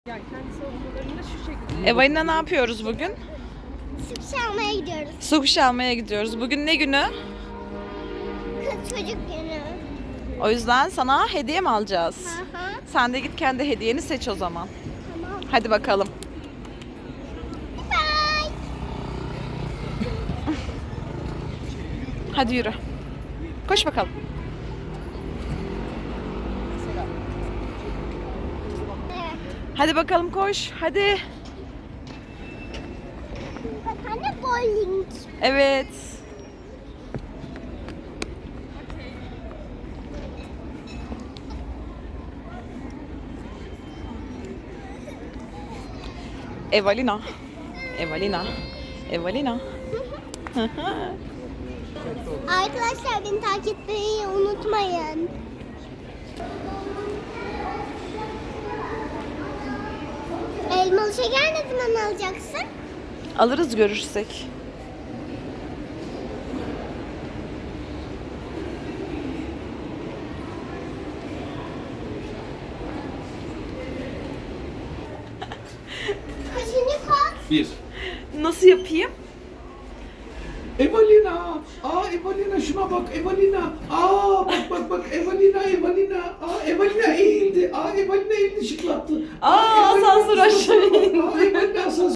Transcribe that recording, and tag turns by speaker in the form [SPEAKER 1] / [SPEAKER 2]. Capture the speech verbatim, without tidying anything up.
[SPEAKER 1] Yani kendi savunmalarında şu şekilde.
[SPEAKER 2] Evalina ne yapıyoruz bugün?
[SPEAKER 3] Süt almaya gidiyoruz.
[SPEAKER 2] Su kuşu almaya gidiyoruz. Bugün ne günü?
[SPEAKER 3] Kız çocuk günü.
[SPEAKER 2] O yüzden sana hediye mi alacağız?
[SPEAKER 3] Hı hı.
[SPEAKER 2] Sen de git kendi hediyeni seç o zaman.
[SPEAKER 3] Tamam.
[SPEAKER 2] Hadi bakalım.
[SPEAKER 3] Bye.
[SPEAKER 2] Hadi yürü. Koş bakalım.
[SPEAKER 3] Evet.
[SPEAKER 2] Hadi bakalım koş. Hadi.
[SPEAKER 3] Bak anne bowling.
[SPEAKER 2] Evet. Evalina. Evalina. Evalina.
[SPEAKER 3] Arkadaşlar beni takip etmeyi unutmayın. Elmalı şeker ne zaman alacaksın?
[SPEAKER 2] Alırız görürsek.
[SPEAKER 3] Kaçıncı kat?
[SPEAKER 4] Bir.
[SPEAKER 2] Nasıl yapayım?
[SPEAKER 4] Evalina. Aa Evalina şuna bak Evalina. Aa bak bak bak Evalina Evalina. Aa Evalina eğildi. Aa Evalina elini şıklattı.
[SPEAKER 2] Aa,
[SPEAKER 4] Evalina
[SPEAKER 2] asansör aşağı
[SPEAKER 4] şıklattı.
[SPEAKER 2] indi.
[SPEAKER 4] Aa Evalina asansör